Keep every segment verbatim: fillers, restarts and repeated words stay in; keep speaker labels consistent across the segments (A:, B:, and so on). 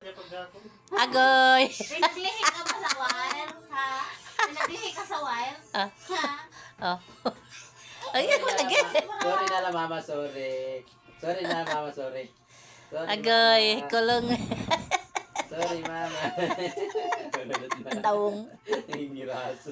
A: Agoy!
B: Pinaglihi ka ba sa wire? Ha? Pinaglihi ka sa wire?
A: Ah.
B: Ha?
A: Oh. Ay, again.
C: Sorry na lang, mama. Sorry. Sorry na, mama. Sorry. Sorry,
A: Agoy,
C: mama.
A: kulong.
C: Sorry, mama.
A: Daong.
C: Hingiraso.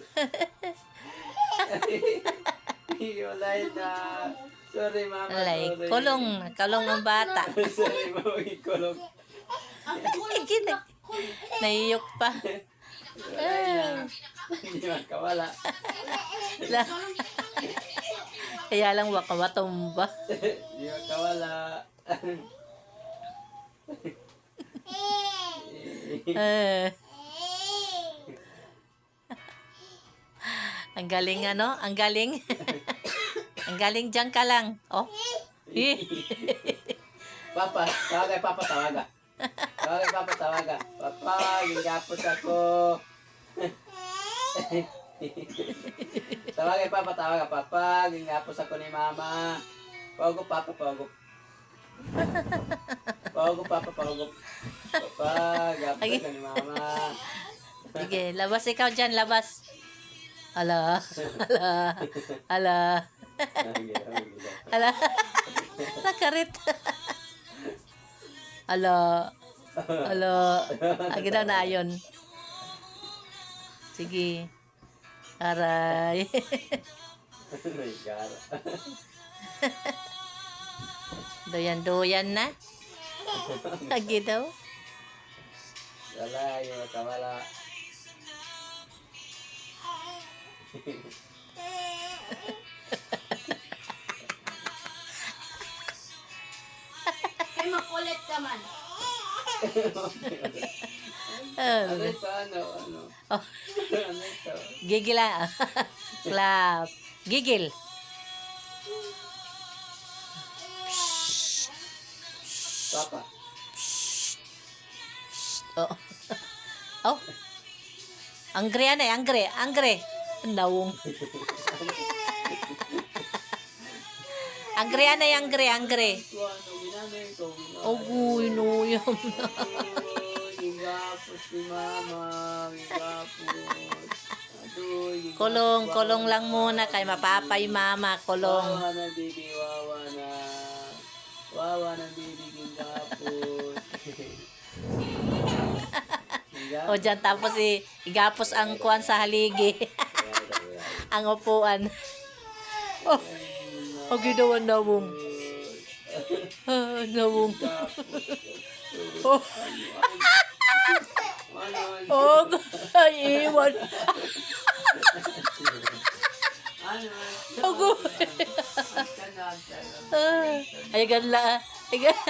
C: Hiwalay na. Sorry, mama.
A: Alay,
C: Sorry.
A: kulong. Kulong ang bata.
C: Sorry, mama. Kulong.
B: Ang kulong
A: Gina. Naiyok pa.
C: Hiwalay na. Hindi makawala.
A: La. Kaya lang waka matumba.
C: Hindi makawala.
A: Eh. Ang galing ano? Ang galing. Ang galing dyan ka lang. Oh. Eh.
C: Papa, tawaga, Papa, tawaga. Tawaga, Papa, tawaga. Papa, gigapos ako. Tawaga, Papa, tawaga. Papa, gigapos ako ni Mama. Pawagop, Papa, pawagop. Pawagop, Papa, pawagop. Papa, gapos ako ni Mama.
A: Sige, labas ikaw dyan, labas. Ala. Ala. Ala. Ala. Nakarit. Ala. Ala. Agi daw na ayon. Sige. Aray.
C: My God.
A: Doyan-doyan na. Agi daw.
C: Wala, yung makawala.
B: Kay makulit ka man.
C: Ano ito? Ano? Ano?
A: Oh,
C: Ano ito?
A: gigil ah. Clap. Gigil.
C: Papa.
A: Oh. Oh. Angre ano eh, angre, angre. Nawong. Angre ano eh, angre, angre.
C: Ito ano? Ginamay ko.
A: Oguy, no, yam na.
C: Gigapos si Mama. Gigapos. Adoy, gigapos.
A: Kulong, kulong lang muna kay mapapay mama, kulong.
C: Wawa na, baby. Wawa na. Wawa na, baby. Gigapos.
A: O dyan, tapos i igapos ang kuwan sa haligi. Ang upuan. Oh, ang ginawa nawong. Ah, nawong. Oh, oh, ay, iwan. Ako. Ah, ay, ganla. Ay, ganla.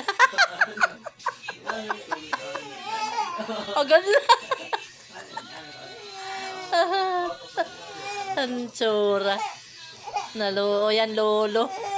A: Ay, ganla. Ah, ang tsura. Nalo, yan lolo.